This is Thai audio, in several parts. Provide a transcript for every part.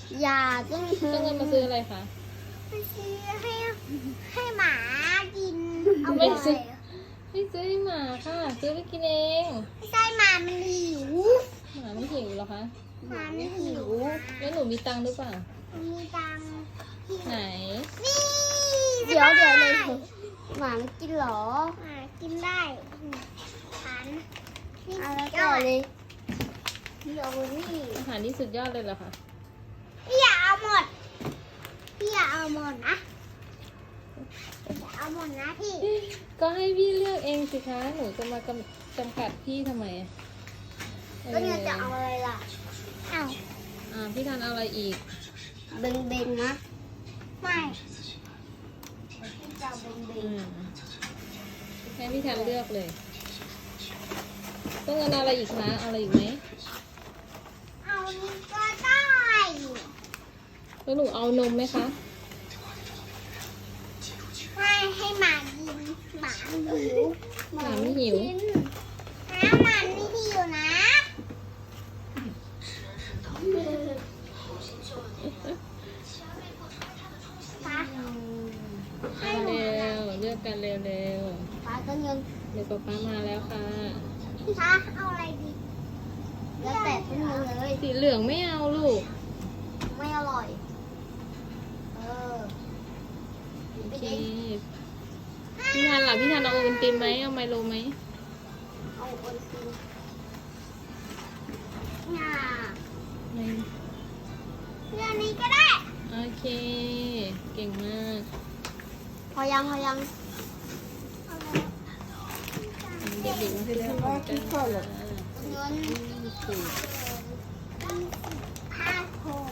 อย่าต้องต้องเงินมาซื้ออะไรคะมาซื้อให้หมากินเอาไม่ไปซื้อ ไม่ซื้อให้หมาค่ะ ซื้อไปกินเองไม่ใช่หมามันหิวหมาไม่หิวเหรอคะหมามันหิวแล้วหนูมีตังค์หรือเปล่ามันมีตังค์ไหนนี่เดี๋ยวเลยหมาไม่กินเหรอหมากินได้ฉันนี่เอาแล้วยต่ออดเลยเดี๋ยวนี่อาหารนี่สุดยอดเลยเหรอคะพี่อย่าเอาหมดพี่อย่าเอาหมดนะอย่าเอาหมดนะพี่ก็ให้พี่เลือกเองสิคะ หนูจะมาจำกัดพี่ทำไมแล้วเนี่ยจะเอาอะไรล่ะเอาพี่ทันเอาอะไรอีกเบงๆนะไม่จะเอาเบงให้พี่ทันเลือกเลย ต้องเงินเอาอะไรอีกคะ เอาอะไรอีกไหมเอานี่ก็ได้แล้วหนูเอานมไหมคะให้หมากินหมาหิวหมาไม่หิวนะหมาไม่หิวนะปะเอาเร็ว เลือกกันเร็วๆปลาต้นเงินๆเดี๋ยวป๊ามาแล้วค่ะปะเอาอะไรดีแล้วแต่ต้นเงินเลยสีเหลืองไม่เอาลูกไม่อร่อย เออโอเค พี่ทันล่ะ พี่ทันเอาโอวัลตินไหม เอาไมโลไหมเอาคนกินน่ะไม่เรื่องนี้ก็ได้โอเค เก่งมากพอยังเอาแล้วเด็กๆมาให้เลือกของกันค่ะเงินถูกห้าหก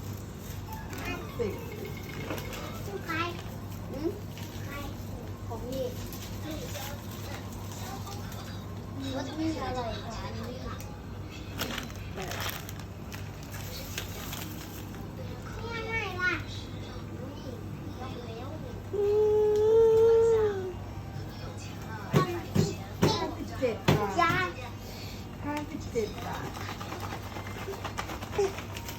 ชื่อใครอืมใครของพี่รสนี่อร่อยกว่าอันนี้ค่ะเนี่ยไหนล่ะ 57 บาทจ้า 57 บาท